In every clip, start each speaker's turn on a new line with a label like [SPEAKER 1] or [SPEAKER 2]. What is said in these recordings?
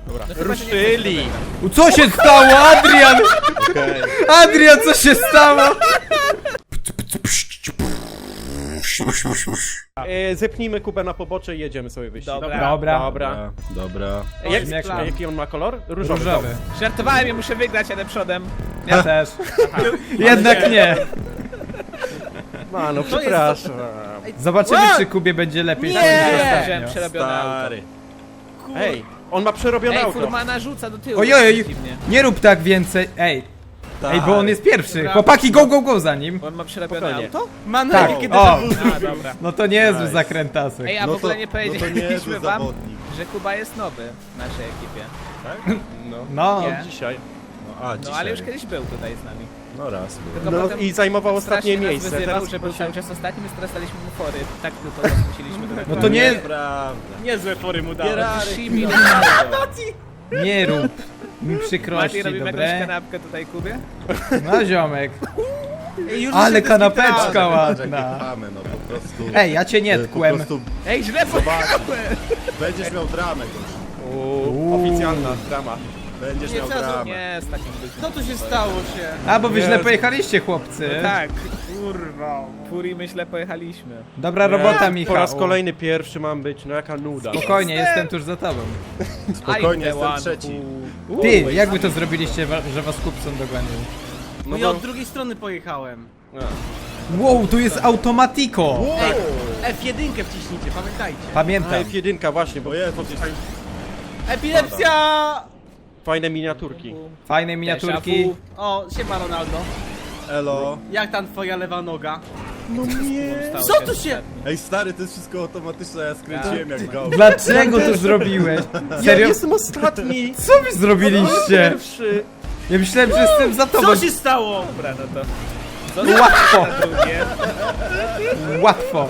[SPEAKER 1] Dobra.
[SPEAKER 2] No chyba, że nie
[SPEAKER 1] Ruszyli!
[SPEAKER 2] chcesz
[SPEAKER 3] Co się stało, Adrian? Adrian, co się stało?
[SPEAKER 1] Zepnijmy Kubę na pobocze i jedziemy sobie wyścig.
[SPEAKER 2] Dobra.
[SPEAKER 3] Dobra.
[SPEAKER 1] Dobra.
[SPEAKER 3] Jak plan.
[SPEAKER 1] Jaki on ma kolor? Różowy.
[SPEAKER 3] Różowy.
[SPEAKER 2] Żartowałem, ja muszę wygrać, jadę przodem.
[SPEAKER 3] Ja też. Jednak nie.
[SPEAKER 1] No przepraszam.
[SPEAKER 3] Zobaczymy, czy Kubie będzie lepiej.
[SPEAKER 2] Nie!
[SPEAKER 3] niż
[SPEAKER 2] Wziąłem
[SPEAKER 3] ostatnio.
[SPEAKER 2] przerobione auto.
[SPEAKER 4] Stary.
[SPEAKER 1] Ej, on ma przerobione
[SPEAKER 2] Ej,
[SPEAKER 1] auto.
[SPEAKER 2] furmana rzuca do tyłu.
[SPEAKER 3] Ojej,
[SPEAKER 2] Dziwnie.
[SPEAKER 3] nie rób tak więcej. Ej, bo on jest pierwszy.
[SPEAKER 2] Dobra.
[SPEAKER 3] Chłopaki, go za nim.
[SPEAKER 2] Bo on ma przerobione
[SPEAKER 1] Spokojnie.
[SPEAKER 2] auto?
[SPEAKER 3] Tak,
[SPEAKER 4] kiedy
[SPEAKER 3] o,
[SPEAKER 2] A, dobra.
[SPEAKER 3] no to niezły
[SPEAKER 4] Nice.
[SPEAKER 3] zakrętasek.
[SPEAKER 2] Ej, a w ogóle nie
[SPEAKER 4] no to
[SPEAKER 2] powiedzieliśmy
[SPEAKER 4] niezły
[SPEAKER 2] wam,
[SPEAKER 4] zawodnik.
[SPEAKER 2] że Kuba jest nowy w naszej ekipie.
[SPEAKER 4] Tak?
[SPEAKER 3] No,
[SPEAKER 2] Nie.
[SPEAKER 1] Dzisiaj.
[SPEAKER 2] No ale już kiedyś był tutaj z nami.
[SPEAKER 4] No raz był.
[SPEAKER 2] Tylko
[SPEAKER 1] No
[SPEAKER 2] potem
[SPEAKER 1] i zajmował ostatnie
[SPEAKER 2] strasznie nas
[SPEAKER 1] miejsce.
[SPEAKER 2] wyzywał,
[SPEAKER 1] Teraz
[SPEAKER 2] że był cały czas ostatnim, więc teraz daliśmy mu fory. Tak tylko go musieliśmy do
[SPEAKER 3] no to nie,
[SPEAKER 4] Prawda.
[SPEAKER 5] Niezłe fory mu dałem.
[SPEAKER 2] Shimi,
[SPEAKER 3] nie rób mi przykrości,
[SPEAKER 2] Mati, robimy jakąś
[SPEAKER 3] dobre?
[SPEAKER 2] kanapkę tutaj Kubie?
[SPEAKER 3] No ziomek.
[SPEAKER 5] Już
[SPEAKER 3] Ale
[SPEAKER 5] się
[SPEAKER 3] kanapeczka
[SPEAKER 5] dyskutowałem.
[SPEAKER 3] ładna.
[SPEAKER 4] Mamy, no po prostu.
[SPEAKER 3] Ej, ja cię nie
[SPEAKER 4] po
[SPEAKER 3] tkłem.
[SPEAKER 4] prostu
[SPEAKER 2] Ej, źle pojechałem!
[SPEAKER 4] będziesz miał dramę.
[SPEAKER 1] Oficjalna drama.
[SPEAKER 4] Będziesz
[SPEAKER 5] Nie,
[SPEAKER 4] miał
[SPEAKER 5] co za-
[SPEAKER 4] dramę.
[SPEAKER 2] Nie, z takim byciem.
[SPEAKER 5] Co tu się stało się?
[SPEAKER 3] A, bo wy źle
[SPEAKER 1] Jezu.
[SPEAKER 3] pojechaliście, chłopcy.
[SPEAKER 2] Tak,
[SPEAKER 5] Kurwa.
[SPEAKER 2] Furi my źle pojechaliśmy.
[SPEAKER 3] Dobra robota, Michał.
[SPEAKER 1] Po raz kolejny pierwszy mam być, no jaka nuda.
[SPEAKER 3] Spokojnie, jestem tuż za tobą.
[SPEAKER 4] Spokojnie,
[SPEAKER 2] I
[SPEAKER 4] jestem
[SPEAKER 2] one,
[SPEAKER 4] trzeci.
[SPEAKER 3] Ty, jak wy to zrobiliście, że was Kupson dogonił?
[SPEAKER 5] No ja od drugiej strony pojechałem.
[SPEAKER 3] Wow, tu jest automatiko.
[SPEAKER 5] F1 wciśnijcie, pamiętajcie.
[SPEAKER 3] Pamiętam.
[SPEAKER 1] F1 właśnie, bo
[SPEAKER 4] O Jezu,
[SPEAKER 5] Epilepsja!
[SPEAKER 1] fajne miniaturki.
[SPEAKER 3] Fajne miniaturki.
[SPEAKER 5] O, siema Ronaldo.
[SPEAKER 4] elo.
[SPEAKER 5] Jak tam twoja lewa noga?
[SPEAKER 2] Stało
[SPEAKER 5] Co
[SPEAKER 2] się
[SPEAKER 5] tu się-
[SPEAKER 4] Ej stary, to jest wszystko automatyczne, ja skręciłem jak go.
[SPEAKER 3] Dlaczego to zrobiłeś?
[SPEAKER 1] Ja
[SPEAKER 3] Serio?
[SPEAKER 1] jestem ostatni!
[SPEAKER 3] Co wy zrobiliście?
[SPEAKER 1] Pierwszy!
[SPEAKER 3] Ja myślałem, że jestem za tobą.
[SPEAKER 5] Co się stało?
[SPEAKER 2] Dobra, no to...
[SPEAKER 3] Łatwo,
[SPEAKER 2] Drugie.
[SPEAKER 3] łatwo.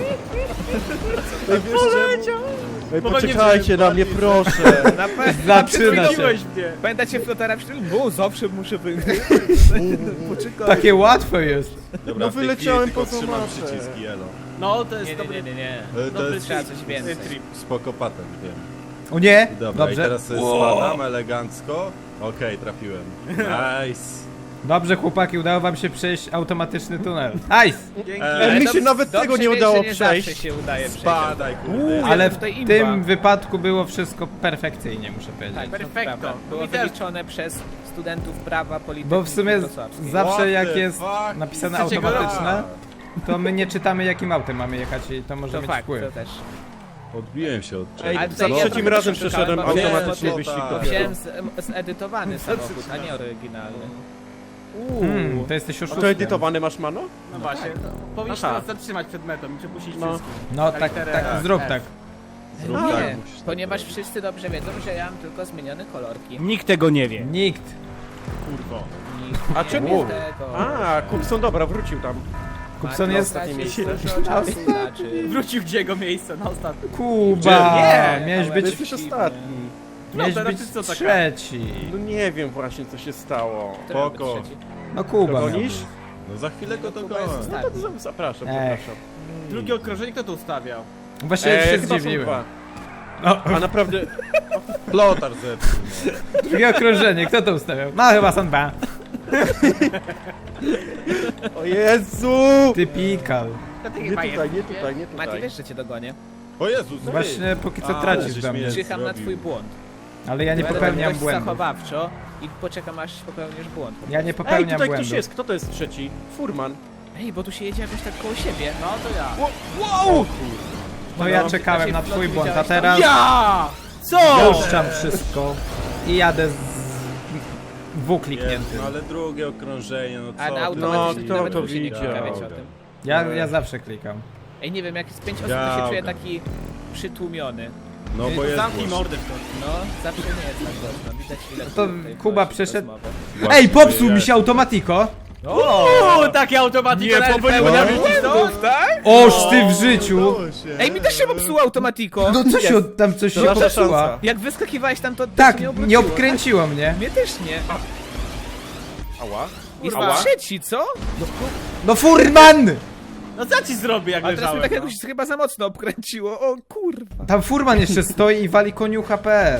[SPEAKER 1] Ej, poczekajcie na mnie, proszę!
[SPEAKER 2] Na pewno.
[SPEAKER 3] Zaczyna się.
[SPEAKER 5] Wymieniłeś mnie.
[SPEAKER 2] Pamiętacie flotara przy tym? Bo zawsze muszę wygrać. Poczekaj.
[SPEAKER 3] Takie łatwo jest.
[SPEAKER 4] Dobra,
[SPEAKER 1] No
[SPEAKER 4] w tej
[SPEAKER 1] wyleciałem
[SPEAKER 4] chwili tylko
[SPEAKER 1] poza
[SPEAKER 4] trzymam
[SPEAKER 1] mapę.
[SPEAKER 4] przyciski, elo.
[SPEAKER 5] No, to jest
[SPEAKER 2] Nie,
[SPEAKER 5] dobry...
[SPEAKER 2] nie, nie, nie.
[SPEAKER 4] To
[SPEAKER 5] Dobry
[SPEAKER 4] jest
[SPEAKER 2] Trzeba coś więcej.
[SPEAKER 5] trip.
[SPEAKER 4] spoko patent, wiem.
[SPEAKER 3] O nie?
[SPEAKER 4] Dobra, i
[SPEAKER 3] Dobrze.
[SPEAKER 4] teraz sobie spadam elegancko. Okej, trafiłem. Nice.
[SPEAKER 3] Dobrze, chłopaki, udało wam się przejść automatyczny tunel. Nice!
[SPEAKER 5] Dzięki.
[SPEAKER 1] Ej, mi się nawet
[SPEAKER 2] Dobrze
[SPEAKER 1] tego nie
[SPEAKER 2] wiesz,
[SPEAKER 1] udało
[SPEAKER 2] że nie
[SPEAKER 1] przejść.
[SPEAKER 2] zawsze się udaje przejść.
[SPEAKER 4] Spadaj, kurde.
[SPEAKER 3] Ale w
[SPEAKER 2] tutaj imba.
[SPEAKER 3] tym wypadku było wszystko perfekcyjnie, muszę powiedzieć.
[SPEAKER 2] Tak, to
[SPEAKER 5] Perfekto.
[SPEAKER 2] prawda. Było
[SPEAKER 5] Mi też.
[SPEAKER 2] wyliczone przez studentów prawa, polityki
[SPEAKER 3] Bo w sumie
[SPEAKER 2] wrocławskiej.
[SPEAKER 3] zawsze
[SPEAKER 4] What
[SPEAKER 3] jak
[SPEAKER 4] the
[SPEAKER 3] jest
[SPEAKER 4] fuck?
[SPEAKER 3] napisane
[SPEAKER 5] Chcecie go
[SPEAKER 3] automatyczne, to my nie czytamy jakim autem mamy jechać i to może
[SPEAKER 2] To
[SPEAKER 3] mieć
[SPEAKER 2] fakt,
[SPEAKER 3] wpływ.
[SPEAKER 2] to też.
[SPEAKER 4] Odbiłem się od
[SPEAKER 1] Ej,
[SPEAKER 2] Ale
[SPEAKER 4] czegoś.
[SPEAKER 1] za
[SPEAKER 2] tutaj ja
[SPEAKER 1] trzecim
[SPEAKER 2] trochę
[SPEAKER 1] razem
[SPEAKER 2] przeszukałem,
[SPEAKER 1] przeszedłem
[SPEAKER 2] bo wiem,
[SPEAKER 1] automatycznie
[SPEAKER 4] bo to-
[SPEAKER 1] wyścig.
[SPEAKER 4] tak.
[SPEAKER 2] Wziąłem zedytowany samochód, a nie oryginalny.
[SPEAKER 3] To jesteś
[SPEAKER 1] A to
[SPEAKER 3] oszustem.
[SPEAKER 1] edytowany masz, mano?
[SPEAKER 5] No właśnie. Powinniśmy
[SPEAKER 1] Aha.
[SPEAKER 5] nas zatrzymać przed metą i przepuścić
[SPEAKER 1] No.
[SPEAKER 5] wszystkich.
[SPEAKER 3] No tak,
[SPEAKER 5] Literę
[SPEAKER 3] tak,
[SPEAKER 5] F.
[SPEAKER 3] zrób tak.
[SPEAKER 4] Zrób
[SPEAKER 2] Nie,
[SPEAKER 4] tak, musisz tak
[SPEAKER 2] ponieważ
[SPEAKER 4] robić.
[SPEAKER 2] wszyscy dobrze wiedzą, że ja mam tylko zmienione kolorki.
[SPEAKER 5] Nikt tego nie wie.
[SPEAKER 3] Nikt.
[SPEAKER 5] Kurwo.
[SPEAKER 2] Nikt
[SPEAKER 1] A
[SPEAKER 2] nie
[SPEAKER 1] czemu?
[SPEAKER 2] wie tego.
[SPEAKER 1] A, Kupson, dobra, wrócił tam.
[SPEAKER 3] Kupson
[SPEAKER 2] Mati
[SPEAKER 3] jest...
[SPEAKER 2] stracił
[SPEAKER 1] miejsce.
[SPEAKER 2] dużo czasu, znaczy...
[SPEAKER 5] Wrócił gdzie jego miejsce na ostatnim.
[SPEAKER 3] Kuba!
[SPEAKER 5] Nie,
[SPEAKER 3] Miałeś
[SPEAKER 2] ale-
[SPEAKER 3] być,
[SPEAKER 1] Jesteś ostatni.
[SPEAKER 3] miałeś
[SPEAKER 5] teraz
[SPEAKER 3] być
[SPEAKER 5] ty co taka?
[SPEAKER 3] trzeci.
[SPEAKER 1] No nie wiem właśnie, co się stało.
[SPEAKER 2] Kto miał być
[SPEAKER 4] Spoko.
[SPEAKER 2] trzeci?
[SPEAKER 3] No Kuba. miał
[SPEAKER 1] Dogonisz?
[SPEAKER 3] być.
[SPEAKER 4] No za chwilę go
[SPEAKER 2] No,
[SPEAKER 4] to
[SPEAKER 2] Kuba jest
[SPEAKER 4] go.
[SPEAKER 2] ostatni.
[SPEAKER 1] Zapraszam,
[SPEAKER 3] Ech.
[SPEAKER 1] zapraszam.
[SPEAKER 5] Drugie okrążenie kto to ustawiał?
[SPEAKER 3] Właśnie się
[SPEAKER 1] chyba są
[SPEAKER 3] zdziwiłem.
[SPEAKER 1] dwa.
[SPEAKER 3] No,
[SPEAKER 1] A naprawdę,
[SPEAKER 4] Flotar zepsuł. No.
[SPEAKER 3] drugie okrążenie, kto to ustawiał? No chyba są dwa.
[SPEAKER 1] o Jezu!
[SPEAKER 3] Typikal.
[SPEAKER 1] Nie tutaj, nie tutaj, nie
[SPEAKER 2] Mati,
[SPEAKER 1] tutaj.
[SPEAKER 2] wiesz, że cię dogonię.
[SPEAKER 4] O Jezus,
[SPEAKER 3] Właśnie póki co
[SPEAKER 4] A,
[SPEAKER 3] tracisz
[SPEAKER 4] żeś
[SPEAKER 3] do mnie.
[SPEAKER 4] mnie-
[SPEAKER 2] Czyham na
[SPEAKER 4] zrobił.
[SPEAKER 2] twój błąd.
[SPEAKER 3] Ale ja nie
[SPEAKER 2] Będę
[SPEAKER 3] popełniam
[SPEAKER 2] dość
[SPEAKER 3] błędów.
[SPEAKER 2] zachowawczo i poczekam aż popełnisz błąd.
[SPEAKER 3] Ja nie
[SPEAKER 1] Ej,
[SPEAKER 3] popełniam
[SPEAKER 1] tutaj ktoś
[SPEAKER 3] błędów.
[SPEAKER 1] jest, kto to jest trzeci? Furman.
[SPEAKER 2] Ej, bo tu się jedzie jakoś tak koło siebie.
[SPEAKER 5] No to ja.
[SPEAKER 1] Wow!
[SPEAKER 3] No ja
[SPEAKER 1] No.
[SPEAKER 3] czekałem na twój błąd, a teraz
[SPEAKER 5] Ja! Co?
[SPEAKER 3] puszczam wszystko i jadę z W
[SPEAKER 4] Jezu,
[SPEAKER 3] klikniętym.
[SPEAKER 4] no ale drugie okrążenie, no
[SPEAKER 2] A
[SPEAKER 4] co
[SPEAKER 2] na
[SPEAKER 4] ty?
[SPEAKER 2] automatycznie
[SPEAKER 1] kto
[SPEAKER 2] nawet
[SPEAKER 1] to
[SPEAKER 2] musi nie
[SPEAKER 1] widział?
[SPEAKER 2] klika, wiecie o tym.
[SPEAKER 3] Ja zawsze klikam.
[SPEAKER 2] Ej, nie wiem, jak jest 5 osób, to się czuję
[SPEAKER 4] Gałka.
[SPEAKER 2] taki przytłumiony.
[SPEAKER 4] No bo jest
[SPEAKER 5] Zamknij
[SPEAKER 4] głośno.
[SPEAKER 5] mordę w końcu.
[SPEAKER 2] No, zawsze nie jest tak głośno. Widać ile
[SPEAKER 3] To
[SPEAKER 2] tutaj
[SPEAKER 3] Kuba
[SPEAKER 2] głośno
[SPEAKER 3] przeszedł-
[SPEAKER 2] rozmowy.
[SPEAKER 4] Właśnie,
[SPEAKER 3] Ej, popsuł
[SPEAKER 4] ja-
[SPEAKER 3] mi się automatiko!
[SPEAKER 5] Uuu, takie automatyki na
[SPEAKER 2] błędów, tak?
[SPEAKER 3] Oż ty w życiu!
[SPEAKER 4] Udało się.
[SPEAKER 2] Ej, mi też się popsuło automatiko.
[SPEAKER 3] No co się tam coś się
[SPEAKER 1] nasza
[SPEAKER 3] popsuła?
[SPEAKER 1] szansa.
[SPEAKER 2] Jak wyskakiwałeś tam, to
[SPEAKER 3] Tak,
[SPEAKER 2] się
[SPEAKER 3] nie
[SPEAKER 2] obróciło,
[SPEAKER 3] obkręciło mnie.
[SPEAKER 2] tak? Mnie też nie.
[SPEAKER 1] Ała.
[SPEAKER 2] Jest
[SPEAKER 1] Ała.
[SPEAKER 2] trzeci, co?
[SPEAKER 3] No furman!
[SPEAKER 5] No co ci zrobię jak
[SPEAKER 2] Ale teraz
[SPEAKER 5] leżałem?
[SPEAKER 2] mnie tak
[SPEAKER 5] no?
[SPEAKER 2] jakoś chyba za mocno obkręciło. O kurwa.
[SPEAKER 3] Tam furman jeszcze stoi i wali koniucha.pl.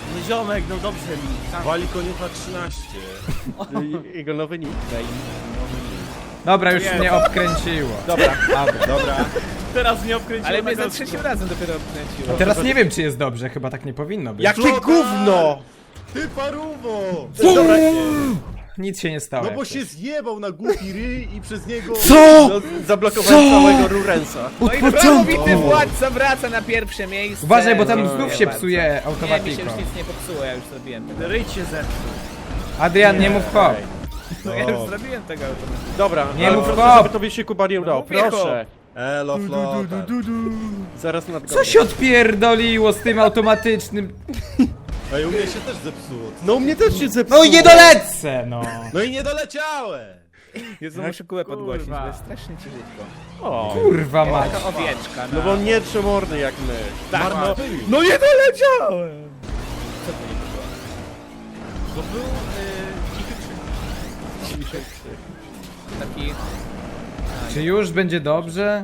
[SPEAKER 5] No ziomek, no dobrze mi. Sam.
[SPEAKER 4] Wali koniucha 13.
[SPEAKER 1] Jego nowy nickname.
[SPEAKER 3] Dobra, już
[SPEAKER 5] Nie.
[SPEAKER 3] mnie obkręciło.
[SPEAKER 1] Dobra.
[SPEAKER 4] Dobra.
[SPEAKER 5] Teraz mnie obkręciło
[SPEAKER 2] Ale mnie
[SPEAKER 5] na
[SPEAKER 2] za
[SPEAKER 5] kostkę.
[SPEAKER 2] trzecim razem dopiero obkręciło.
[SPEAKER 3] Teraz nie wiem, czy jest dobrze, chyba tak nie powinno być.
[SPEAKER 1] Jakie
[SPEAKER 4] Flotar!
[SPEAKER 1] gówno!
[SPEAKER 4] Ty paruwo!
[SPEAKER 3] Nic się nie stało.
[SPEAKER 4] No
[SPEAKER 3] jak
[SPEAKER 4] bo
[SPEAKER 3] coś.
[SPEAKER 4] się zjebał na głupi ryj i przez niego...
[SPEAKER 3] Co?
[SPEAKER 1] No, zablokowałem całego Rurensa.
[SPEAKER 2] No i prawowity władca wraca na pierwsze miejsce.
[SPEAKER 3] Uważaj, bo tam
[SPEAKER 1] No,
[SPEAKER 3] znów
[SPEAKER 1] nie
[SPEAKER 3] się
[SPEAKER 2] bardzo.
[SPEAKER 3] psuje
[SPEAKER 2] Nie, mi się
[SPEAKER 3] automatiko.
[SPEAKER 2] już nic nie popsuło, ja już zrobiłem tego.
[SPEAKER 5] Ryj się zepsuł.
[SPEAKER 3] Adrian, nie mów hop.
[SPEAKER 2] No ja już zrobiłem tego automatycznie.
[SPEAKER 1] Dobra,
[SPEAKER 3] Nie
[SPEAKER 1] ale
[SPEAKER 3] mów
[SPEAKER 1] proszę,
[SPEAKER 3] hop.
[SPEAKER 1] żeby tobie się Kuba nie udało.
[SPEAKER 2] mówię
[SPEAKER 1] Proszę.
[SPEAKER 4] Elo, flotar.
[SPEAKER 1] Zaraz nadgonię.
[SPEAKER 3] Co się odpierdoliło z tym automatycznym?
[SPEAKER 4] Ej, u mnie się też zepsuło.
[SPEAKER 1] No u mnie też się zepsuło.
[SPEAKER 3] No i nie dolecę, no.
[SPEAKER 4] No i nie doleciałem!
[SPEAKER 2] Jezu, muszę kółę podgłosić,
[SPEAKER 5] Kurwa.
[SPEAKER 2] bo jest strasznie ciężko.
[SPEAKER 1] O,
[SPEAKER 3] Kurwa mać.
[SPEAKER 2] Taka owieczka,
[SPEAKER 1] no bo on nie trzymorny jak my.
[SPEAKER 2] Tak,
[SPEAKER 1] Marno...
[SPEAKER 2] no nie doleciałem! Co to nie było?
[SPEAKER 5] To był cichy krzyk.
[SPEAKER 2] Taki...
[SPEAKER 3] Czy już będzie dobrze?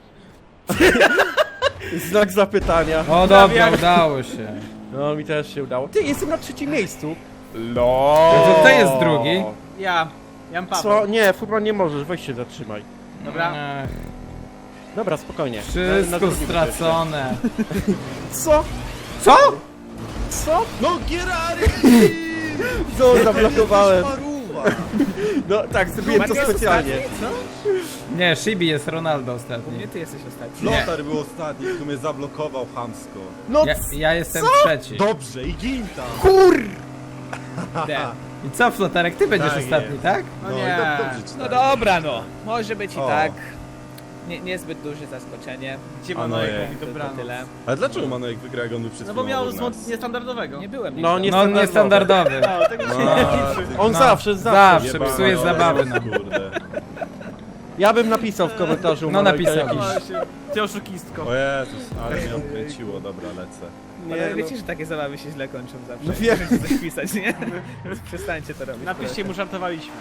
[SPEAKER 1] Znak zapytania.
[SPEAKER 3] O dobra, udało się.
[SPEAKER 1] No mi też się udało. Ty, jestem na trzecim miejscu.
[SPEAKER 3] No to jest drugi.
[SPEAKER 5] Ja. Jan Paweł.
[SPEAKER 1] Co? Nie, Furman nie możesz, weź się zatrzymaj.
[SPEAKER 5] Dobra.
[SPEAKER 3] Ech,
[SPEAKER 1] Dobra, spokojnie. Na
[SPEAKER 3] wszystko
[SPEAKER 1] drugim
[SPEAKER 3] stracone.
[SPEAKER 1] będziesz. Co?
[SPEAKER 3] Co?
[SPEAKER 1] Co?
[SPEAKER 4] No Gierary!
[SPEAKER 1] Co zablokowałem?
[SPEAKER 4] Paruwa!
[SPEAKER 1] No tak, zrobiłem to
[SPEAKER 2] Maciej
[SPEAKER 1] specjalnie.
[SPEAKER 2] ostatni, co?
[SPEAKER 3] Nie, Shibi jest Ronaldo ostatni.
[SPEAKER 2] Nie, ty jesteś ostatni.
[SPEAKER 4] Flotar był ostatni, który mnie zablokował chamsko.
[SPEAKER 1] No
[SPEAKER 3] Ja jestem trzeci.
[SPEAKER 4] Dobrze, i gin tam!
[SPEAKER 2] D.
[SPEAKER 3] I co, Flotarek, ty będziesz
[SPEAKER 4] Tak
[SPEAKER 3] ostatni,
[SPEAKER 4] jest.
[SPEAKER 3] tak?
[SPEAKER 5] No
[SPEAKER 4] No
[SPEAKER 5] nie.
[SPEAKER 4] i dobrze ci
[SPEAKER 2] No
[SPEAKER 4] tak.
[SPEAKER 2] dobra no, może być i
[SPEAKER 4] O.
[SPEAKER 2] tak. Niezbyt duże zaskoczenie.
[SPEAKER 5] Gdzie
[SPEAKER 4] A no
[SPEAKER 5] Manojek
[SPEAKER 4] je.
[SPEAKER 5] mówi
[SPEAKER 2] To
[SPEAKER 5] dobranoc.
[SPEAKER 2] tyle.
[SPEAKER 4] Ale dlaczego Manojek wygra, jak on był przed
[SPEAKER 5] No bo
[SPEAKER 4] chwilą
[SPEAKER 5] miał
[SPEAKER 4] obok nas?
[SPEAKER 5] niestandardowego.
[SPEAKER 2] Nie byłem
[SPEAKER 1] No,
[SPEAKER 2] nigdy.
[SPEAKER 1] nie-
[SPEAKER 3] No niestandardowy.
[SPEAKER 5] No, tego się nie liczy.
[SPEAKER 1] On
[SPEAKER 3] No.
[SPEAKER 1] zawsze
[SPEAKER 3] Zawsze
[SPEAKER 4] Jebana
[SPEAKER 3] psuje
[SPEAKER 4] Manojek,
[SPEAKER 3] zabawy, no.
[SPEAKER 4] Kurde.
[SPEAKER 1] Ja bym napisał w komentarzu.
[SPEAKER 3] No,
[SPEAKER 1] Manojka
[SPEAKER 3] napisał.
[SPEAKER 1] jakiś-
[SPEAKER 5] Właśnie. Ty oszukistko.
[SPEAKER 4] O Jezus, ale mnie odkręciło, dobra, lecę.
[SPEAKER 2] Ale
[SPEAKER 1] no.
[SPEAKER 2] wiecie, że takie zabawy się źle kończą zawsze.
[SPEAKER 1] No wiem.
[SPEAKER 2] Możecie coś pisać, nie? Więc przestańcie to robić.
[SPEAKER 5] Napiszcie mu, żartowaliśmy.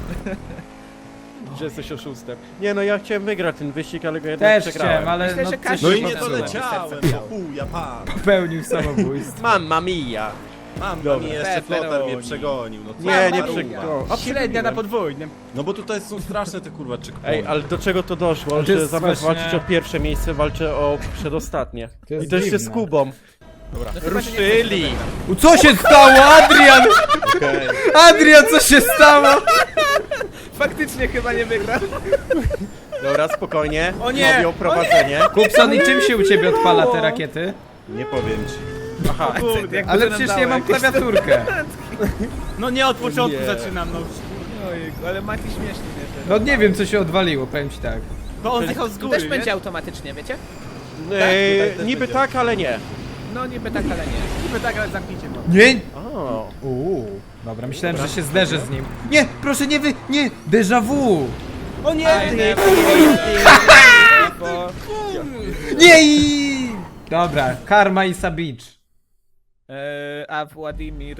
[SPEAKER 1] Że jesteś oszustem. Nie no, ja chciałem wygrać ten wyścig, ale go jednak
[SPEAKER 3] Też
[SPEAKER 1] przegrałem.
[SPEAKER 3] chciałem, ale
[SPEAKER 2] Myślę,
[SPEAKER 3] no
[SPEAKER 2] że
[SPEAKER 3] coś
[SPEAKER 2] każdy
[SPEAKER 4] No
[SPEAKER 3] się
[SPEAKER 4] i nie
[SPEAKER 2] Zepsułem.
[SPEAKER 4] doleciałem,
[SPEAKER 2] Serce miał.
[SPEAKER 4] no chuja pan.
[SPEAKER 3] popełnił samobójstwo.
[SPEAKER 1] Mamma mia.
[SPEAKER 4] Mam,
[SPEAKER 1] Dobra.
[SPEAKER 4] mi jeszcze flotar mnie
[SPEAKER 2] Pepperoni.
[SPEAKER 4] przegonił, no co
[SPEAKER 1] Nie, nie
[SPEAKER 4] za
[SPEAKER 1] przegrał.
[SPEAKER 4] ruba.
[SPEAKER 1] A
[SPEAKER 5] Średnia na podwójnym.
[SPEAKER 4] No bo tutaj są straszne te kurwa checkpointy.
[SPEAKER 1] Ej, ale do czego to doszło,
[SPEAKER 3] To
[SPEAKER 1] że
[SPEAKER 3] jest
[SPEAKER 1] zamiast
[SPEAKER 3] właśnie-
[SPEAKER 1] walczyć o pierwsze miejsce, walczę o przedostatnie.
[SPEAKER 3] To jest
[SPEAKER 1] I to jeszcze z
[SPEAKER 3] dziwne.
[SPEAKER 1] Kubą.
[SPEAKER 2] No chyba, że nie
[SPEAKER 1] Ruszyli!
[SPEAKER 3] Co się stało, Adrian?
[SPEAKER 4] Okej.
[SPEAKER 3] Adrian, co się stało?
[SPEAKER 2] Faktycznie chyba nie wygrał.
[SPEAKER 1] Dobra, spokojnie.
[SPEAKER 5] O nie!
[SPEAKER 1] Robią prowadzenie.
[SPEAKER 3] Kupson, i czym się u ciebie odpala te rakiety?
[SPEAKER 4] Nie powiem ci.
[SPEAKER 1] Aha,
[SPEAKER 5] Kurde.
[SPEAKER 2] Jak
[SPEAKER 3] Ale
[SPEAKER 2] to nam
[SPEAKER 3] przecież
[SPEAKER 2] dało
[SPEAKER 3] nie mam
[SPEAKER 2] jakieś-
[SPEAKER 3] klawiaturkę.
[SPEAKER 5] No nie od początku
[SPEAKER 1] Nie.
[SPEAKER 5] zaczynam, no.
[SPEAKER 2] Ojejku, ale Mati śmiesznie mnie.
[SPEAKER 3] No nie wiem, co się odwaliło, powiem ci tak.
[SPEAKER 5] Bo on zjechał z
[SPEAKER 2] Tu
[SPEAKER 5] góry,
[SPEAKER 2] też
[SPEAKER 5] wiesz?
[SPEAKER 2] będzie automatycznie, wiecie?
[SPEAKER 1] Ej,
[SPEAKER 4] tutaj też
[SPEAKER 1] niby
[SPEAKER 4] będzie.
[SPEAKER 1] tak, ale nie.
[SPEAKER 2] No niby tak, ale nie.
[SPEAKER 5] Niby tak, ale zamknijcie go.
[SPEAKER 3] Nie?
[SPEAKER 1] O,
[SPEAKER 3] Dobra, myślałem, że się zderzę z nim. Nie, proszę nie nie, déjà vu.
[SPEAKER 5] O nie!
[SPEAKER 2] Bo...
[SPEAKER 3] Nie i... Dobra, Karma i Sabicz.
[SPEAKER 2] A Władimir...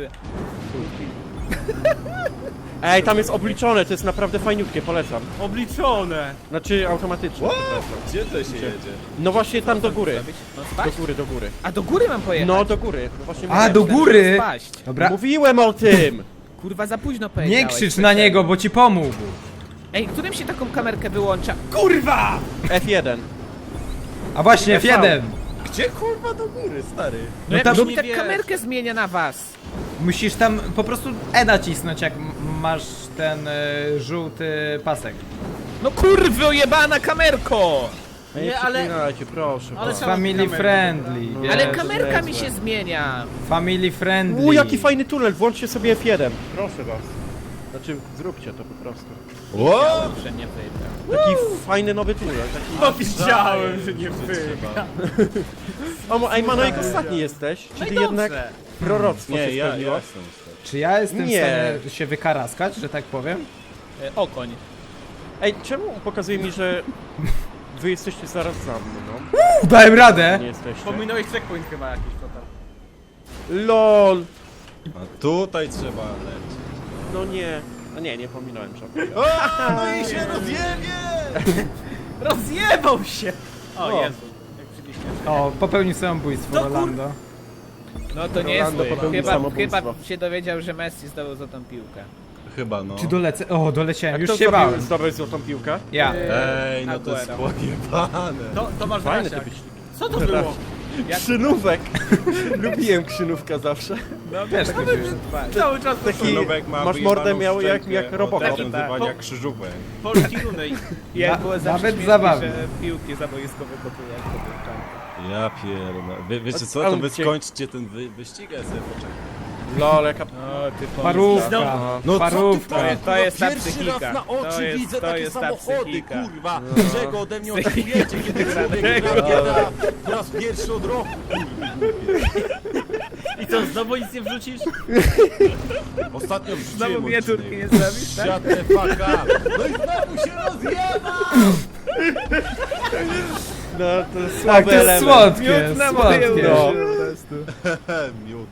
[SPEAKER 1] Ej, tam jest obliczone, to jest naprawdę fajniutkie, polecam.
[SPEAKER 5] Obliczone!
[SPEAKER 1] Znaczy automatyczne.
[SPEAKER 4] Gdzie to się jedzie?
[SPEAKER 1] No właśnie tam do góry.
[SPEAKER 2] No
[SPEAKER 1] Do
[SPEAKER 2] spaść?
[SPEAKER 1] góry, do góry.
[SPEAKER 2] A do góry mam pojechać?
[SPEAKER 1] No do góry. No właśnie
[SPEAKER 3] A,
[SPEAKER 1] mówiłem.
[SPEAKER 3] do góry?
[SPEAKER 2] Spaść.
[SPEAKER 3] Dobra,
[SPEAKER 1] Mówiłem o tym!
[SPEAKER 2] Kurwa, za późno powiedziałeś.
[SPEAKER 3] nie krzycz na niego, bo ci pomógł.
[SPEAKER 2] Ej, którym się taką kamerkę wyłącza?
[SPEAKER 5] Kurwa!
[SPEAKER 1] F1.
[SPEAKER 3] A właśnie, F1.
[SPEAKER 4] Gdzie kurwa do góry, stary?
[SPEAKER 2] No jak
[SPEAKER 3] tam-
[SPEAKER 2] mi
[SPEAKER 5] nie
[SPEAKER 2] tak
[SPEAKER 5] wiesz.
[SPEAKER 2] kamerkę zmienia na was?
[SPEAKER 3] Musisz tam po prostu E nacisnąć, jak masz ten żółty pasek.
[SPEAKER 2] No kurwy, ojebana kamerko!
[SPEAKER 5] Nie, ale-
[SPEAKER 1] przeklinajcie, proszę.
[SPEAKER 5] Ale
[SPEAKER 1] proszę.
[SPEAKER 5] trzeba-
[SPEAKER 3] Family
[SPEAKER 5] kamerę,
[SPEAKER 3] friendly,
[SPEAKER 1] dobra.
[SPEAKER 3] wiesz.
[SPEAKER 2] Ale
[SPEAKER 1] Jezu,
[SPEAKER 2] kamerka mi
[SPEAKER 1] Jezu.
[SPEAKER 2] się zmienia.
[SPEAKER 3] Family friendly.
[SPEAKER 1] Jaki fajny tunel, włączcie sobie F1. Proszę was. Znaczy, zróbcie to po prostu.
[SPEAKER 4] Ło!
[SPEAKER 2] Że nie wyjdę.
[SPEAKER 1] Taki fajny nowy tunel. Taki...
[SPEAKER 5] No widziałem, że nie wy.
[SPEAKER 4] Trzeba.
[SPEAKER 1] O, ej, Manojek, ostatni jesteś? Czy
[SPEAKER 5] No
[SPEAKER 1] ty
[SPEAKER 5] i
[SPEAKER 1] jednak
[SPEAKER 5] dobrze.
[SPEAKER 1] proroctwo
[SPEAKER 4] Nie,
[SPEAKER 1] się
[SPEAKER 4] ja
[SPEAKER 1] spełniło?
[SPEAKER 4] jestem ostatni.
[SPEAKER 3] Czy ja jestem
[SPEAKER 1] Nie.
[SPEAKER 3] w stanie się wykaraskać, że tak powiem?
[SPEAKER 2] Okoń.
[SPEAKER 1] Ej, czemu pokazuje mi, że wy jesteście zaraz za mną, no?
[SPEAKER 3] Dałem radę!
[SPEAKER 1] Nie jesteście.
[SPEAKER 5] Pominąłeś checkpoint chyba jakiś total.
[SPEAKER 1] LOL!
[SPEAKER 4] A tutaj trzeba lecieć.
[SPEAKER 1] No nie. No nie, nie pominąłem żadnego.
[SPEAKER 4] O, no i się rozjebie!
[SPEAKER 5] Rozjebał się! O
[SPEAKER 1] O.
[SPEAKER 5] Jezu, jak przybliźnie.
[SPEAKER 3] O, popełnił samobójstwo
[SPEAKER 5] No kur-
[SPEAKER 3] Rolando.
[SPEAKER 5] No to
[SPEAKER 1] Rolando
[SPEAKER 5] niezły.
[SPEAKER 1] popełnił
[SPEAKER 5] Chyba
[SPEAKER 1] samobójstwo.
[SPEAKER 5] się dowiedział, że Messi zdobył złotą piłkę.
[SPEAKER 4] Chyba no.
[SPEAKER 3] Czy dolecę? O, doleciałem, już
[SPEAKER 1] Kto
[SPEAKER 3] się bałem.
[SPEAKER 1] zdobył złotą piłkę?
[SPEAKER 3] Ja.
[SPEAKER 4] Ej, no to jest
[SPEAKER 5] Aguero.
[SPEAKER 4] pojebane.
[SPEAKER 5] To masz
[SPEAKER 1] Fajny
[SPEAKER 5] Dasiak.
[SPEAKER 1] to wyścig.
[SPEAKER 5] Co to było?
[SPEAKER 1] Krzynówek! Lubiłem krzynówka zawsze.
[SPEAKER 5] No
[SPEAKER 3] Też
[SPEAKER 5] to
[SPEAKER 3] tak
[SPEAKER 5] by
[SPEAKER 3] jest.
[SPEAKER 5] cały czas
[SPEAKER 1] Taki,
[SPEAKER 4] Nowek ma
[SPEAKER 1] masz mordę
[SPEAKER 4] wyjebaną
[SPEAKER 1] miał jak
[SPEAKER 4] szczękę
[SPEAKER 1] Robocop.
[SPEAKER 4] od nazywania krzyżówek.
[SPEAKER 5] polski runej. Jak było zawsze
[SPEAKER 3] nawet
[SPEAKER 5] śmiesznie,
[SPEAKER 3] zabawne.
[SPEAKER 5] że piłki zaboiskowe kopiły jak to był czas.
[SPEAKER 4] Ja pierdolę. Wiecie co, to
[SPEAKER 1] Ale
[SPEAKER 4] wy
[SPEAKER 1] gdzie-
[SPEAKER 4] skończcie ten wyścig, a ja sobie poczekam.
[SPEAKER 1] Lol, jaka...
[SPEAKER 5] No ty
[SPEAKER 3] Parówka.
[SPEAKER 4] No
[SPEAKER 3] Parówka.
[SPEAKER 5] To jest ta
[SPEAKER 4] Pierwszy
[SPEAKER 5] psychika.
[SPEAKER 4] raz na oczy
[SPEAKER 5] To jest-
[SPEAKER 4] widzę
[SPEAKER 5] to
[SPEAKER 4] takie
[SPEAKER 5] jest ta
[SPEAKER 4] samochody,
[SPEAKER 5] psychika.
[SPEAKER 4] kurwa. Czego ode mnie oczekujecie, kiedy człowiek gra w GTA po raz pierwszy od roku?
[SPEAKER 5] I co, znowu nic nie wrzucisz?
[SPEAKER 4] Ostatnio wrzuciłem
[SPEAKER 5] Znowu miniaturki
[SPEAKER 4] odcinek.
[SPEAKER 5] nie zrobisz, tak?
[SPEAKER 4] Shut the fuck up. No i znowu się rozjeba!
[SPEAKER 1] No, to jest
[SPEAKER 3] Tak,
[SPEAKER 1] słaby
[SPEAKER 3] to jest
[SPEAKER 1] element.
[SPEAKER 3] słodkie,
[SPEAKER 5] Miód na moje
[SPEAKER 3] słodkie.
[SPEAKER 1] No.
[SPEAKER 5] uszy po prostu.
[SPEAKER 4] Miód.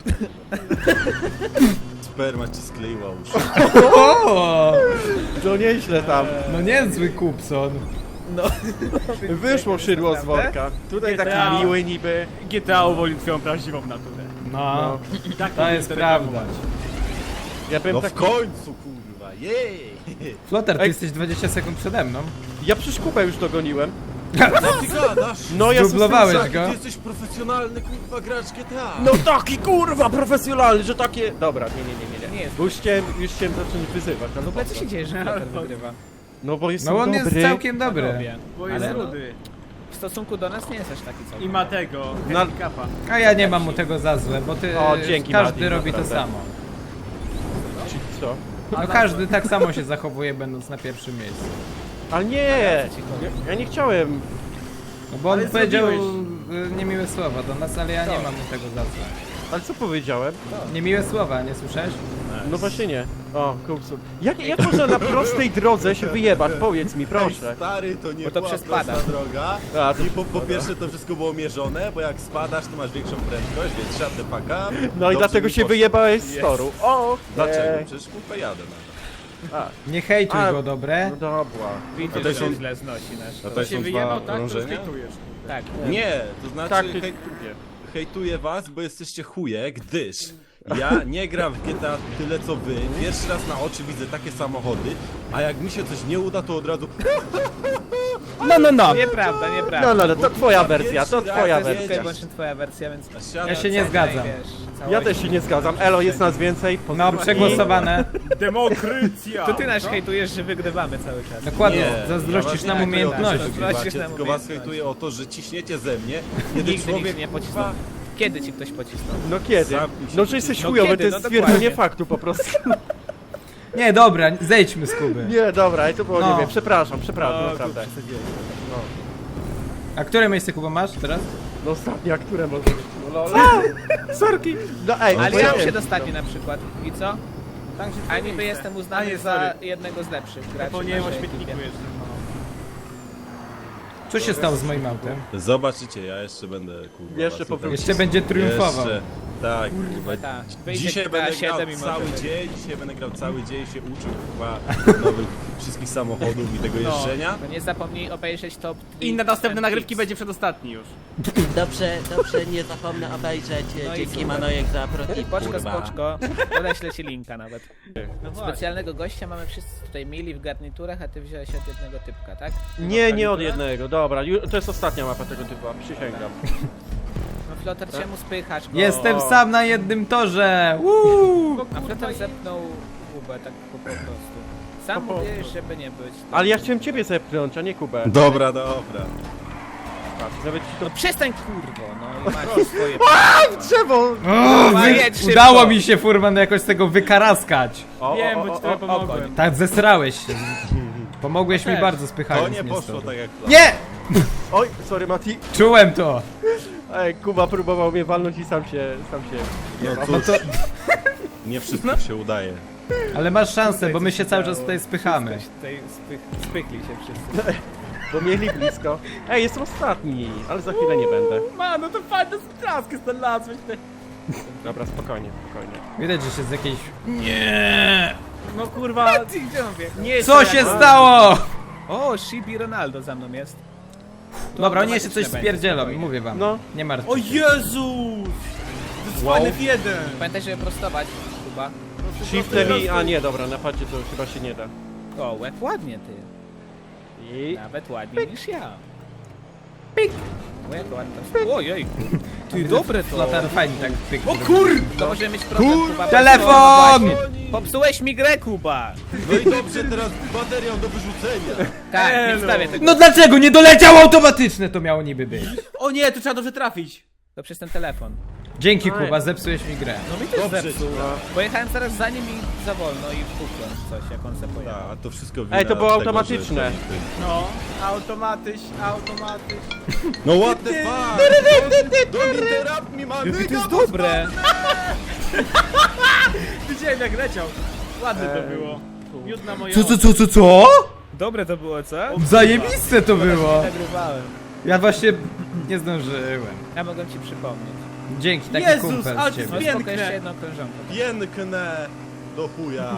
[SPEAKER 4] Sperma ci skleiła uszy.
[SPEAKER 3] O!
[SPEAKER 1] To nieźle tam.
[SPEAKER 3] No niezły Kupson.
[SPEAKER 1] Wyszło szydło z worka. Tutaj taki
[SPEAKER 5] GTA.
[SPEAKER 1] miły niby.
[SPEAKER 5] GTA uwolił twoją prawdziwą naturę.
[SPEAKER 3] No,
[SPEAKER 5] I tak
[SPEAKER 3] to jest prawda.
[SPEAKER 1] Ja bym
[SPEAKER 4] No
[SPEAKER 1] tak...
[SPEAKER 4] w końcu, kurwa, jej!
[SPEAKER 3] Flotar, ty
[SPEAKER 1] Ej.
[SPEAKER 3] jesteś 20 sekund przede mną.
[SPEAKER 1] Ja przecież Kubę już dogoniłem.
[SPEAKER 4] Co ty gadasz?
[SPEAKER 1] No ja
[SPEAKER 3] Zdublowałeś
[SPEAKER 1] jestem-
[SPEAKER 3] go.
[SPEAKER 4] Ty jesteś profesjonalny, kurwa, gracz GTA.
[SPEAKER 1] No taki kurwa profesjonalny, że takie... Dobra, nie.
[SPEAKER 5] Nie jest.
[SPEAKER 1] Bo już chciałem zacząć wyzywać. Ale
[SPEAKER 5] W ogóle co się dzieje, że Flotar wygrywa?
[SPEAKER 1] No bo jestem
[SPEAKER 3] No on
[SPEAKER 1] dobry.
[SPEAKER 3] jest całkiem dobry.
[SPEAKER 5] Robię.
[SPEAKER 2] Bo jest
[SPEAKER 5] Ale-
[SPEAKER 2] rudy.
[SPEAKER 5] W stosunku do nas nie jest aż taki całkiem.
[SPEAKER 2] I ma tego,
[SPEAKER 1] No-
[SPEAKER 2] handicapa.
[SPEAKER 3] A ja nie mam mu tego za złe, bo ty,
[SPEAKER 1] O, dzięki,
[SPEAKER 3] każdy
[SPEAKER 1] Mati,
[SPEAKER 3] robi to
[SPEAKER 1] naprawdę.
[SPEAKER 3] samo.
[SPEAKER 1] Co?
[SPEAKER 3] No każdy tak samo się zachowuje, będąc na pierwszym miejscu.
[SPEAKER 1] Ale nie! Ja nie chciałem.
[SPEAKER 3] No bo on
[SPEAKER 2] Ale
[SPEAKER 3] powiedział
[SPEAKER 2] zrobiłeś.
[SPEAKER 3] niemiłe słowa do nas, ale ja nie mam mu tego za złe.
[SPEAKER 1] Ale co powiedziałem?
[SPEAKER 3] Niemiłe słowa, nie słyszałeś?
[SPEAKER 1] No właśnie nie. O, kupcu. Jak można na prostej drodze się wyjebać? Powiedz mi,
[SPEAKER 4] Ej,
[SPEAKER 1] proszę.
[SPEAKER 4] stary, to nie
[SPEAKER 5] Bo to
[SPEAKER 4] była
[SPEAKER 5] przespada.
[SPEAKER 4] prosta droga.
[SPEAKER 1] A, to-
[SPEAKER 4] I po pierwsze to wszystko było mierzone, bo jak spadasz, to masz większą prędkość, więc shut the fuck up.
[SPEAKER 1] No i
[SPEAKER 4] Dobrze
[SPEAKER 1] dlatego
[SPEAKER 4] mi
[SPEAKER 1] się
[SPEAKER 4] poszło.
[SPEAKER 1] wyjebałeś z toru. O!
[SPEAKER 4] Dlaczego? Przecież kurwa jadę nawet.
[SPEAKER 3] Nie hejtuj
[SPEAKER 1] A,
[SPEAKER 3] go, dobre?
[SPEAKER 1] No dobra.
[SPEAKER 5] Widzisz,
[SPEAKER 4] A to
[SPEAKER 5] że
[SPEAKER 4] są-
[SPEAKER 5] źle znosi nasz.
[SPEAKER 4] A to
[SPEAKER 5] kolor.
[SPEAKER 4] są
[SPEAKER 2] Się
[SPEAKER 4] dwa
[SPEAKER 2] wyjebał tak, to
[SPEAKER 4] krążenia?
[SPEAKER 2] hejtujesz.
[SPEAKER 5] Tak.
[SPEAKER 4] Nie, to znaczy
[SPEAKER 1] Tak,
[SPEAKER 4] hejtuję was, bo jesteście chuje, gdyż ja nie gram w GTA tyle co wy. Pierwszy raz na oczy widzę takie samochody, a jak mi się coś nie uda, to od razu
[SPEAKER 1] No.
[SPEAKER 5] Nieprawda, nieprawda.
[SPEAKER 1] No, to twoja wersja, to
[SPEAKER 4] Pierwszy
[SPEAKER 1] twoja
[SPEAKER 4] raz
[SPEAKER 5] To jest
[SPEAKER 1] wersja.
[SPEAKER 5] tylko i wyłącznie twoja wersja, więc...
[SPEAKER 3] Ja się nie zgadzam.
[SPEAKER 1] Ja też się nie zgadzam. Elo, jest nas więcej.
[SPEAKER 3] No,
[SPEAKER 1] pozdrówki.
[SPEAKER 3] przegłosowane.
[SPEAKER 2] Demokrycja!
[SPEAKER 5] To ty nas hejtujesz, że wygrywamy cały czas.
[SPEAKER 3] Dokładnie,
[SPEAKER 4] Nie,
[SPEAKER 3] zazdrościsz
[SPEAKER 4] ja
[SPEAKER 3] nam
[SPEAKER 4] was nie hejtuję o to, że
[SPEAKER 3] umiejętności.
[SPEAKER 4] wygrywacie,
[SPEAKER 5] Zazdrościsz nam
[SPEAKER 4] tylko was
[SPEAKER 5] umiejętności.
[SPEAKER 4] hejtuję o to, że ciśniecie ze mnie. Kiedy
[SPEAKER 5] Nigdy
[SPEAKER 4] człowiek
[SPEAKER 5] nikt nie pocisnął. Kiedy ci ktoś pocisnął?
[SPEAKER 1] No kiedy?
[SPEAKER 4] Zamknij się.
[SPEAKER 1] No, że jesteś
[SPEAKER 5] No
[SPEAKER 1] chujowy,
[SPEAKER 5] kiedy?
[SPEAKER 1] to jest
[SPEAKER 5] No
[SPEAKER 1] stwierdzenie
[SPEAKER 5] dokładnie.
[SPEAKER 1] faktu po prostu.
[SPEAKER 3] Nie, dobra, zejdźmy z Kuby.
[SPEAKER 1] Nie, dobra, i to było,
[SPEAKER 3] No.
[SPEAKER 1] nie wiem, przepraszam, naprawdę.
[SPEAKER 3] A które miejsce Kuba masz teraz?
[SPEAKER 1] No ostatnia, które może być? No, lol. Sorki! No ej,
[SPEAKER 5] Ale
[SPEAKER 1] bo
[SPEAKER 5] ja
[SPEAKER 1] ja
[SPEAKER 5] mam się
[SPEAKER 1] wiem.
[SPEAKER 5] dostawi na przykład. I co? A niby jestem
[SPEAKER 2] A
[SPEAKER 5] uznany
[SPEAKER 2] nie,
[SPEAKER 5] za
[SPEAKER 2] sorry.
[SPEAKER 5] jednego z lepszych graczy.
[SPEAKER 2] Zapomniałem o
[SPEAKER 5] naszej
[SPEAKER 2] śmietniku
[SPEAKER 5] ekipie.
[SPEAKER 2] jeszcze.
[SPEAKER 3] Co się stało z moim autem?
[SPEAKER 4] Zobaczycie, ja jeszcze będę kurwa.
[SPEAKER 1] Jeszcze
[SPEAKER 4] was
[SPEAKER 1] powrócisz.
[SPEAKER 3] Jeszcze będzie triumfował.
[SPEAKER 4] Jeszcze, tak, kurwa.
[SPEAKER 5] Tak. Wyjdzie
[SPEAKER 4] Dzisiaj
[SPEAKER 5] GTA
[SPEAKER 4] będę
[SPEAKER 5] 7
[SPEAKER 4] grał
[SPEAKER 5] i
[SPEAKER 4] cały
[SPEAKER 5] może
[SPEAKER 4] dzień, dzisiaj będę grał cały dzień, się uczył chyba nowych wszystkich samochodów i tego jeżdżenia.
[SPEAKER 5] To nie zapomnij obejrzeć top 3.
[SPEAKER 2] I na następne nagrywki będzie przedostatni już.
[SPEAKER 6] Dobrze, nie zapomnę obejrzeć.
[SPEAKER 5] No i
[SPEAKER 6] Dzięki
[SPEAKER 5] super.
[SPEAKER 6] Manojek za protip,
[SPEAKER 5] Poczko,
[SPEAKER 6] kurwa.
[SPEAKER 5] spoczko. Podeślę ci linka nawet.
[SPEAKER 2] No
[SPEAKER 5] Specjalnego gościa mamy wszyscy tutaj mili w garniturach, a ty wziąłeś od jednego typka, tak?
[SPEAKER 1] Nie od jednego, dobra, to jest ostatnia mapa tego typu, przysięgam.
[SPEAKER 5] No Flotar, czemu spychasz go?
[SPEAKER 3] Jestem sam na jednym torze!
[SPEAKER 5] A Flotar zepnął Kubę tak po prostu. Sam mówiłeś, żeby nie być.
[SPEAKER 1] Ale ja chciałem ciebie zepchnąć, a nie Kubę.
[SPEAKER 4] Dobra.
[SPEAKER 1] Patrz, nawet ci to...
[SPEAKER 5] No przestań kurwo, no i macie swoje...
[SPEAKER 1] Drzewo!
[SPEAKER 5] Jedź szybko.
[SPEAKER 3] Udało mi się, Furman, jakoś z tego wykaraskać.
[SPEAKER 2] Wiem, bo ci trochę pomogłem.
[SPEAKER 3] Tak, zesrałeś się. Pomogłeś mi
[SPEAKER 5] Też.
[SPEAKER 3] bardzo,
[SPEAKER 4] To
[SPEAKER 3] spychając
[SPEAKER 4] nie
[SPEAKER 3] mnie z
[SPEAKER 4] poszło
[SPEAKER 3] toru.
[SPEAKER 4] tak jak plan.
[SPEAKER 3] Nie!
[SPEAKER 1] Oj, sorry Mati.
[SPEAKER 3] Czułem to!
[SPEAKER 1] Ej, Kuba próbował mnie walnąć i sam się...
[SPEAKER 4] No
[SPEAKER 3] No
[SPEAKER 4] cóż,
[SPEAKER 3] to...
[SPEAKER 4] nie wszystko się udaje.
[SPEAKER 3] Ale masz szansę, bo my się cały czas tutaj spychamy.
[SPEAKER 5] Tutaj spychli się wszyscy.
[SPEAKER 1] Bo mieli blisko. Ej, jestem ostatni, ale za chwilę nie będę.
[SPEAKER 2] No to fajne straski znalazłeś.
[SPEAKER 1] Dobra, spokojnie.
[SPEAKER 3] Widać, że się z jakiejś...
[SPEAKER 2] No kurwa,
[SPEAKER 5] Ty, gdzie on wie?
[SPEAKER 2] nie
[SPEAKER 3] Co się stało?
[SPEAKER 5] O, Shibi Ronaldo za mną jest.
[SPEAKER 3] Dobra, oni jeszcze coś
[SPEAKER 5] automatyczne będzie,
[SPEAKER 3] spierdzielą,
[SPEAKER 5] spokojnie.
[SPEAKER 3] mówię wam.
[SPEAKER 1] No.
[SPEAKER 3] Nie martw
[SPEAKER 2] O
[SPEAKER 3] się.
[SPEAKER 2] Jezus!
[SPEAKER 1] Wow.
[SPEAKER 2] F1!
[SPEAKER 5] Pamiętaj, żeby prostować, Kuba.
[SPEAKER 1] Shifter i... A nie, dobra, na padzie to chyba się nie da.
[SPEAKER 5] O, łeb ładnie ty.
[SPEAKER 1] I...
[SPEAKER 5] Nawet ładniej niż ja. Pik! O, jak ładnie to... Ojej! Ty, dobre to!
[SPEAKER 3] Flotar fajnie tak pyk.
[SPEAKER 2] O kurde!
[SPEAKER 5] To możemy mieć problem, Kuba.
[SPEAKER 3] Telefon!
[SPEAKER 5] Popsułeś mi grę, Kuba!
[SPEAKER 4] No i dobrze, teraz baterią do wyrzucenia.
[SPEAKER 5] Tak, nie wstawię tego.
[SPEAKER 3] No dlaczego nie doleciał automatyczne to miało niby być?
[SPEAKER 2] O nie, tu trzeba dobrze trafić.
[SPEAKER 5] To przez ten telefon.
[SPEAKER 3] Dzięki
[SPEAKER 1] Oj.
[SPEAKER 3] Kuba, zepsułeś mi grę.
[SPEAKER 5] No mi też
[SPEAKER 4] Dobrze,
[SPEAKER 5] zepsuł. Pojechałem zaraz za nim i za wolno i wpukłem coś, jak on se pojechał.
[SPEAKER 4] A to wszystko
[SPEAKER 1] Ej, to było
[SPEAKER 4] wina
[SPEAKER 1] automatyczne.
[SPEAKER 4] tego, że-
[SPEAKER 2] No, automatyś.
[SPEAKER 4] No what the fuck? Don't interrupt me, man!
[SPEAKER 5] Jakie to jest dobre!
[SPEAKER 2] Widziałem jak leciał. Ładne to było. Miód na moje
[SPEAKER 3] Co?
[SPEAKER 5] Dobre to było, co?
[SPEAKER 3] Zajebiste to było.
[SPEAKER 5] Nagrywałem.
[SPEAKER 3] Ja właśnie nie zdążyłem.
[SPEAKER 5] Ja mogłem ci przypomnieć.
[SPEAKER 3] Dzięki, taki
[SPEAKER 2] Jezus,
[SPEAKER 3] kumpel
[SPEAKER 2] ale
[SPEAKER 3] z
[SPEAKER 2] to
[SPEAKER 3] ciebie.
[SPEAKER 5] No
[SPEAKER 2] Piękne.
[SPEAKER 5] spoko, jeszcze jedną krążonkę.
[SPEAKER 4] Piękne do chuja.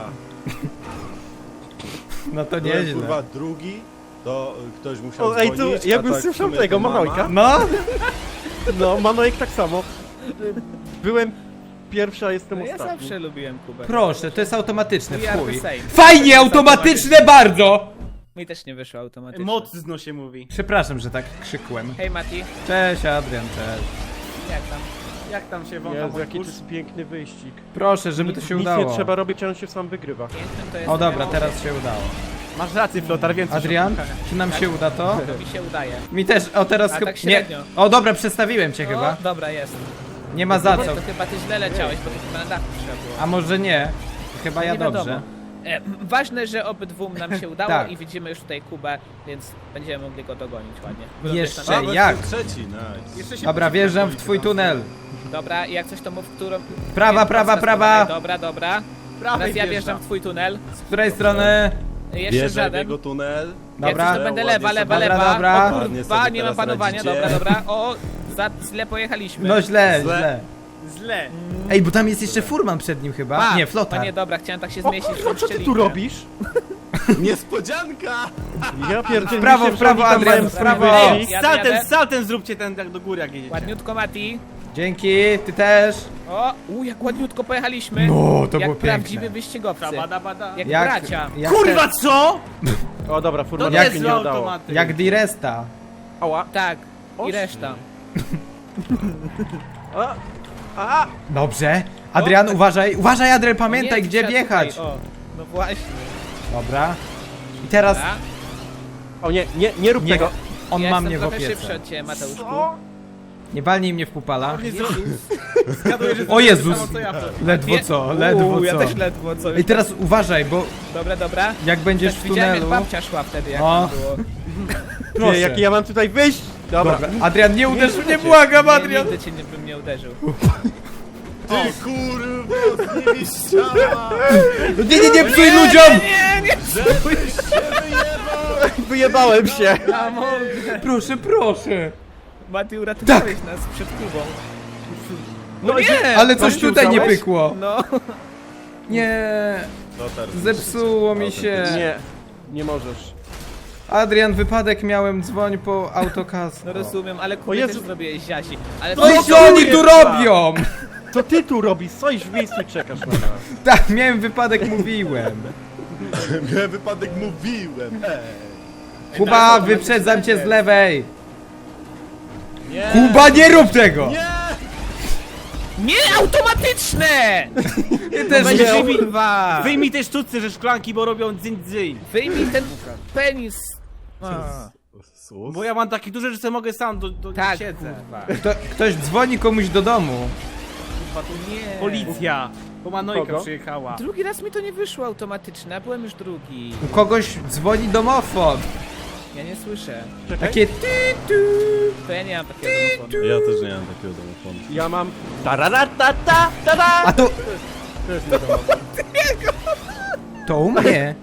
[SPEAKER 3] No to
[SPEAKER 4] Byłem,
[SPEAKER 3] nieźle.
[SPEAKER 4] kurwa drugi, to ktoś musiał
[SPEAKER 1] O, ej, tu
[SPEAKER 4] dzwonić,
[SPEAKER 1] jakbym
[SPEAKER 4] a tak w
[SPEAKER 1] słyszał
[SPEAKER 4] sumie
[SPEAKER 1] tego,
[SPEAKER 4] to mama.
[SPEAKER 1] Manojka.
[SPEAKER 3] No,
[SPEAKER 1] No, Manojek tak samo. Byłem pierwsza, jestem
[SPEAKER 5] No ja
[SPEAKER 1] ostatni.
[SPEAKER 5] zawsze lubiłem Kubę.
[SPEAKER 3] proszę, to jest automatyczne,
[SPEAKER 5] We are
[SPEAKER 3] chuj.
[SPEAKER 5] the same.
[SPEAKER 3] Fajnie, automatyczne bardzo!
[SPEAKER 5] Mi też nie wyszło automatycznie.
[SPEAKER 2] Mocno się mówi.
[SPEAKER 3] Przepraszam, że tak krzykłem.
[SPEAKER 5] Hej Mati,
[SPEAKER 3] Cześć Adrian, cześć.
[SPEAKER 5] jak tam?
[SPEAKER 2] Jak tam się wącha
[SPEAKER 1] Jezu,
[SPEAKER 2] mój
[SPEAKER 1] jaki to
[SPEAKER 2] kurs?
[SPEAKER 1] jest piękny wyścig.
[SPEAKER 3] Proszę, żeby to się
[SPEAKER 1] Nic
[SPEAKER 3] udało.
[SPEAKER 1] nie trzeba robić, a on się sam wygrywa.
[SPEAKER 5] Pięknym to jest...
[SPEAKER 3] O dobra, teraz się udało.
[SPEAKER 2] Masz rację, Flotar, więcej
[SPEAKER 3] Adrian,
[SPEAKER 2] szukania.
[SPEAKER 3] czy nam się uda to?
[SPEAKER 5] To mi się udaje.
[SPEAKER 3] Mi też, o teraz
[SPEAKER 5] A
[SPEAKER 3] chyba...
[SPEAKER 5] tak
[SPEAKER 3] Nie,
[SPEAKER 5] średnio.
[SPEAKER 3] o dobra, przestawiłem cię chyba.
[SPEAKER 5] O, dobra, jest.
[SPEAKER 3] Nie ma za
[SPEAKER 5] Nie,
[SPEAKER 3] co.
[SPEAKER 5] to chyba ty źle leciałeś, bo to chyba na dachu trzeba było.
[SPEAKER 3] A może nie? Chyba ja
[SPEAKER 5] Nie wiadomo.
[SPEAKER 3] dobrze.
[SPEAKER 5] Ważne, że obydwu nam się udało
[SPEAKER 3] Tak.
[SPEAKER 5] i widzimy już tutaj Kubę, więc będziemy mogli go dogonić ładnie.
[SPEAKER 3] Jeszcze
[SPEAKER 4] A, bo
[SPEAKER 3] jak?
[SPEAKER 4] jestem trzeci, nice.
[SPEAKER 2] Jeszcze się
[SPEAKER 3] Dobra,
[SPEAKER 2] poczekaj,
[SPEAKER 3] wjeżdżam w
[SPEAKER 2] Wojtek.
[SPEAKER 3] twój tunel.
[SPEAKER 5] Dobra, i jak coś to mów, w którą...
[SPEAKER 3] Prawa,
[SPEAKER 5] Nie,
[SPEAKER 3] prawa,
[SPEAKER 5] mocno
[SPEAKER 3] prawa.
[SPEAKER 5] strzelaj. Dobra, dobra.
[SPEAKER 2] Prawej
[SPEAKER 5] Teraz ja
[SPEAKER 2] wjeżdżam.
[SPEAKER 5] wjeżdżam w twój tunel.
[SPEAKER 3] Z której strony?
[SPEAKER 5] Jeszcze
[SPEAKER 4] Wierzę w
[SPEAKER 5] żaden.
[SPEAKER 4] jego tunel.
[SPEAKER 5] Jak
[SPEAKER 3] Dobra.
[SPEAKER 5] coś to będę lewa,
[SPEAKER 4] Ładnie
[SPEAKER 5] lewa,
[SPEAKER 4] sobie-
[SPEAKER 5] lewa.
[SPEAKER 3] Dobra.
[SPEAKER 5] O
[SPEAKER 4] Ładnie
[SPEAKER 5] kurwa,
[SPEAKER 4] sobie
[SPEAKER 5] nie mam
[SPEAKER 4] teraz
[SPEAKER 5] panowania.
[SPEAKER 4] radzicie.
[SPEAKER 5] Dobra, dobra. O, źle pojechaliśmy.
[SPEAKER 3] No źle,
[SPEAKER 4] Zle.
[SPEAKER 3] źle.
[SPEAKER 2] Źle.
[SPEAKER 3] Ej, bo tam jest jeszcze furman przed nim chyba.
[SPEAKER 5] Pa!
[SPEAKER 3] Nie,
[SPEAKER 5] A
[SPEAKER 3] flotar.
[SPEAKER 5] nie, dobra, chciałem tak się
[SPEAKER 1] O
[SPEAKER 5] zmieścić.
[SPEAKER 1] kurwa,
[SPEAKER 5] w
[SPEAKER 1] co ty tu
[SPEAKER 5] szczelinkę.
[SPEAKER 1] robisz?
[SPEAKER 4] Niespodzianka!
[SPEAKER 1] Ja pierdzielę.
[SPEAKER 3] W prawo,
[SPEAKER 1] myślę,
[SPEAKER 3] w prawo,
[SPEAKER 1] że oni tam
[SPEAKER 3] Adrian,
[SPEAKER 1] mają
[SPEAKER 3] w prawo.
[SPEAKER 1] swój
[SPEAKER 5] Ej,
[SPEAKER 1] wyścig.
[SPEAKER 5] jadę, jadę.
[SPEAKER 2] Saltem zróbcie ten tak do góry jak jedziecie.
[SPEAKER 5] Ładniutko, Mati.
[SPEAKER 3] Dzięki, ty też.
[SPEAKER 5] O, jak ładniutko pojechaliśmy.
[SPEAKER 3] No, to
[SPEAKER 5] jak
[SPEAKER 3] było
[SPEAKER 5] prawdziwi
[SPEAKER 3] piękne.
[SPEAKER 5] wyścigowcy.
[SPEAKER 2] Bada, bada.
[SPEAKER 5] Jak bracia.
[SPEAKER 3] jak
[SPEAKER 2] Kurwa, co?
[SPEAKER 1] O dobra,
[SPEAKER 2] To
[SPEAKER 1] furman
[SPEAKER 2] nie
[SPEAKER 1] jak
[SPEAKER 2] jest
[SPEAKER 1] się
[SPEAKER 2] złe
[SPEAKER 1] nie udało.
[SPEAKER 2] automaty.
[SPEAKER 3] Jak Diresta.
[SPEAKER 1] Ała.
[SPEAKER 5] Tak. I
[SPEAKER 1] Oż.
[SPEAKER 5] reszta.
[SPEAKER 1] A!
[SPEAKER 3] Dobrze. Adrian, uważaj, uważaj Adrian,
[SPEAKER 5] O
[SPEAKER 3] pamiętaj
[SPEAKER 5] nie,
[SPEAKER 3] gdzie
[SPEAKER 5] trzeba
[SPEAKER 3] wjechać.
[SPEAKER 5] tutaj, O, no właśnie.
[SPEAKER 3] Dobra. I teraz
[SPEAKER 5] Dobra.
[SPEAKER 1] O nie, nie rób
[SPEAKER 3] nie,
[SPEAKER 1] tego.
[SPEAKER 3] on
[SPEAKER 5] Ja
[SPEAKER 3] ma
[SPEAKER 5] jestem
[SPEAKER 3] mnie w
[SPEAKER 5] trochę szybszy
[SPEAKER 3] opiece.
[SPEAKER 5] od ciebie, Mateuszku.
[SPEAKER 3] Nie walnij mnie w pupala.
[SPEAKER 2] Zgaduję, że
[SPEAKER 3] O
[SPEAKER 2] zrobię
[SPEAKER 3] Jezus.
[SPEAKER 2] to samo, co ja wtedy.
[SPEAKER 3] Ledwo co, ledwo
[SPEAKER 5] Ja
[SPEAKER 3] co.
[SPEAKER 5] też ledwo co.
[SPEAKER 3] I teraz uważaj, bo
[SPEAKER 5] Dobra, dobra.
[SPEAKER 3] jak będziesz
[SPEAKER 5] Też
[SPEAKER 3] w
[SPEAKER 5] widziałem, jak
[SPEAKER 3] tunelu...
[SPEAKER 5] babcia szła wtedy, jak
[SPEAKER 3] O.
[SPEAKER 5] to było.
[SPEAKER 3] Proszę.
[SPEAKER 1] Nie, jaki ja mam tutaj wyjść? Dobra.
[SPEAKER 3] Dobra. Adrian, nie uderz mnie,
[SPEAKER 1] Nie,
[SPEAKER 3] błagam
[SPEAKER 5] Nie,
[SPEAKER 3] Adrian.
[SPEAKER 5] nigdy cię nie, bym nie uderzył.
[SPEAKER 4] Ty kurwa, z nimi ściana!
[SPEAKER 3] No nie psuj ludziom!
[SPEAKER 4] Żebyś się wyjebał!
[SPEAKER 1] Wyjebałem się.
[SPEAKER 5] Ja mogę.
[SPEAKER 3] Proszę, proszę.
[SPEAKER 5] Mati, uratowałeś nas przed Kubą.
[SPEAKER 1] No nie!
[SPEAKER 3] Ale coś tutaj nie
[SPEAKER 1] Uznałeś?
[SPEAKER 3] pykło.
[SPEAKER 5] No.
[SPEAKER 3] Nie,
[SPEAKER 4] Lotar,
[SPEAKER 3] zepsuło mi się.
[SPEAKER 1] Nie, nie możesz.
[SPEAKER 3] Adrian, wypadek miałem, dzwoń po autokasko.
[SPEAKER 5] No rozumiem, ale
[SPEAKER 1] O
[SPEAKER 5] Kubie
[SPEAKER 1] Jezu.
[SPEAKER 5] też zrobiłeś ziasi. Ale
[SPEAKER 3] No i
[SPEAKER 5] to
[SPEAKER 3] co oni tu robią?
[SPEAKER 1] Co ty tu robisz? Stoisz w miejscu i czekasz na nas.
[SPEAKER 3] Tak, miałem wypadek, mówiłem.
[SPEAKER 4] Miałem wypadek, mówiłem! Ej.
[SPEAKER 3] Kuba, wyprzedzam cię z lewej.
[SPEAKER 4] Nie!
[SPEAKER 3] Kuba, nie rób tego!
[SPEAKER 4] Nie!
[SPEAKER 5] Nie, automatyczne!
[SPEAKER 3] Ty też
[SPEAKER 2] Będzie
[SPEAKER 3] miał...
[SPEAKER 2] Kurwa. Wyjmij te sztuce ze szklanki, bo robią dzyń.
[SPEAKER 5] Wyjmij ten penis. A,
[SPEAKER 4] Sus?
[SPEAKER 2] Bo ja mam taki duży, że sobie mogę sam
[SPEAKER 5] tak,
[SPEAKER 2] siedzę.
[SPEAKER 5] kurwa.
[SPEAKER 3] Ktoś dzwoni komuś do domu.
[SPEAKER 2] Kurwa, tu
[SPEAKER 5] Nie.
[SPEAKER 2] policja. Bo Manojka
[SPEAKER 1] Kogo?
[SPEAKER 2] przyjechała.
[SPEAKER 5] Drugi raz mi to nie wyszło automatyczne, a byłem już drugi.
[SPEAKER 3] U kogoś dzwoni domofon.
[SPEAKER 5] Ja nie słyszę.
[SPEAKER 1] Czekaj.
[SPEAKER 3] Takie ty.
[SPEAKER 5] To ja nie mam takiego domofonu.
[SPEAKER 4] Ja też nie mam takiego domofonu.
[SPEAKER 1] Ja mam... Tararatata, tada!
[SPEAKER 3] A to...
[SPEAKER 1] To jest mój domofon.
[SPEAKER 3] To u mnie.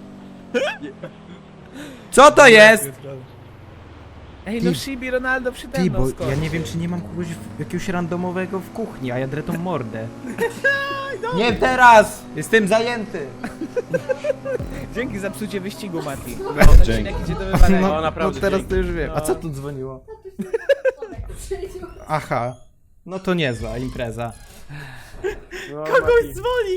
[SPEAKER 3] Co to jest?
[SPEAKER 5] Ej, no
[SPEAKER 3] Ty-
[SPEAKER 5] Shibi Ronaldo przede
[SPEAKER 3] Ty,
[SPEAKER 5] mną
[SPEAKER 3] bo
[SPEAKER 5] skoczył.
[SPEAKER 3] ja nie wiem, czy nie mam kogoś jakiegoś randomowego w kuchni, a ja drę tą mordę. Nie teraz! Jestem zajęty.
[SPEAKER 5] Dzięki za psucie wyścigu, Mati.
[SPEAKER 4] Dzięki.
[SPEAKER 5] Odcinek idzie do wywalenia.
[SPEAKER 1] No, naprawdę,
[SPEAKER 3] teraz
[SPEAKER 1] dzięki.
[SPEAKER 3] to już wiem. A co tu dzwoniło? Aha. No to niezła impreza.
[SPEAKER 1] No,
[SPEAKER 3] Kogoś
[SPEAKER 1] Mati.
[SPEAKER 3] dzwoni!